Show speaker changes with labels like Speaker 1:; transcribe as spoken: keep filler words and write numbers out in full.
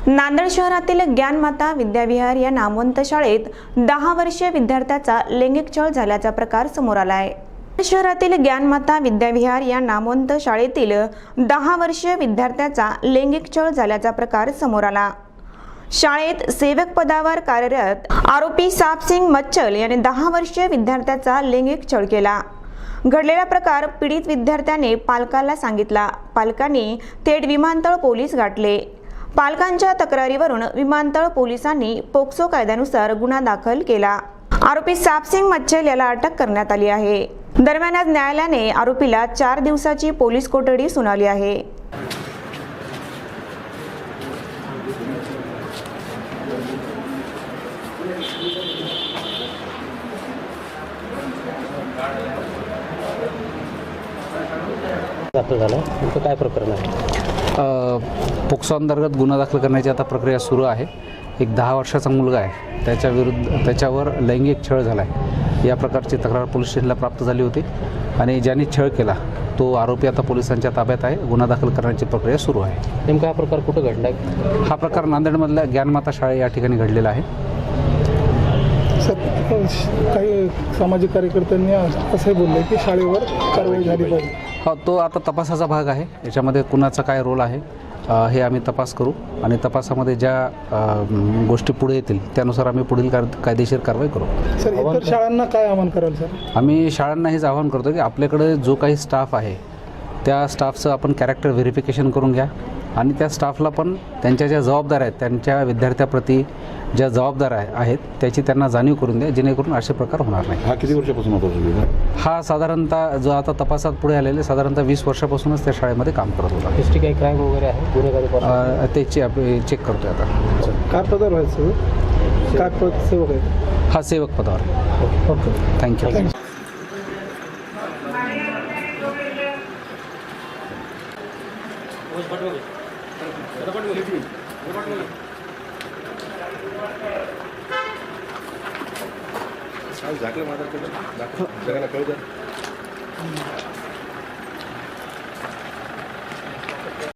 Speaker 1: नांदेड शहरातील ज्ञानमाता विद्याविहार या नामवंत शाळेत दहा वर्षीय विद्यार्थ्याचा लैंगिक छळ झाल्याचा प्रकार समोर आला आहे। शहरातील ज्ञानमाता विद्याविहार या नामवंत शाळेतील दहा वर्षीय विद्यार्थ्याचा लैंगिक छळ झाल्याचा प्रकार समोर आला। शाळेत सेवक पदावर कार्यरत आरोपी सापसिंग मच्छल याने दहा वर्षीय विद्यार्थ्याचा लैंगिक छळ केला। घडलेला प्रकार पीडित विद्यार्थ्याने पालकाला सांगितला। पालकांनी थेट विमानतळ पोलीस गाठले। पालकांच्या तक्रारीवरून विमानतळ पोलिसांनी पोक्सो कायद्यानुसार गुन्हा दाखल केला। आरोपी सापसिंग मच्छल याला अटक करण्यात आली आहे। दरम्यान आज न्यायालयाने आरोपीला चार दिवसाची पोलीस कोठडी सुनावली आहे।
Speaker 2: दाखल झाला नेमकं काय प्रकरण आहे?
Speaker 3: पोक्सो अंतर्गत गुन्हा दाखल करण्याची आता प्रक्रिया सुरू आहे। एक दहा वर्षाचा मुलगा आहे, त्याच्या विरुद्ध त्याच्यावर लैंगिक छळ झाला आहे या प्रकारची तक्रार पोलीस स्टेशनला प्राप्त झाली होती आणि ज्यांनी छळ केला तो आरोपी आता पोलिसांच्या ताब्यात आहे। गुन्हा दाखल करण्याची प्रक्रिया सुरू आहे।
Speaker 2: नेमका हा प्रकार कुठं घडला आहे?
Speaker 3: हा प्रकार नांदेडमधल्या ज्ञानमाता शाळे या ठिकाणी घडलेला आहे।
Speaker 4: काही सामाजिक कार्यकर्त्यांनी असे बोलले की शाळेवर कारवाई झाली पाहिजे।
Speaker 3: हो, तो आता तपासाचा भाग आहे। याच्यामध्ये कुणाचा काय रोल आहे हे आम्ही तपास करू आणि तपासामध्ये ज्या गोष्टी पुढे येतील त्यानुसार आम्ही पुढील कायदेशीर कारवाई करू।
Speaker 4: सर, इतर शाळांना काय आवाहन कराल सर?
Speaker 3: आम्ही शाळांना हेच आवाहन करतो की आपल्याकडे जो काही स्टाफ आहे त्या स्टाफचं आपण कॅरेक्टर व्हेरिफिकेशन करून घ्या आणि त्या स्टाफला पण त्यांच्या ज्या जबाबदाऱ्या आहेत त्यांच्या विद्यार्थ्याप्रती ज्या जबाबदाऱ्या आहेत त्याची त्यांना जाणीव करून द्या, जेणेकरून असे प्रकार होणार नाही।
Speaker 5: हा किती वर्षापासून होता?
Speaker 3: हा साधारणतः जो आता तपासात पुढे आलेले साधारणतः वीस वर्षापासूनच त्या शाळेमध्ये काम करत होता।
Speaker 2: हिस्ट्री काही क्राईम वगैरे आहे गुन्हेगारी
Speaker 3: त्याची आपण चेक करतोय आता।
Speaker 4: काय पदावर व्हायचं? काय पद सेवक आहे?
Speaker 3: हा सेवक पदावर।
Speaker 4: Okay,
Speaker 3: thank you.
Speaker 5: झाकलं माझ्याकडे जगाला कळू द्या।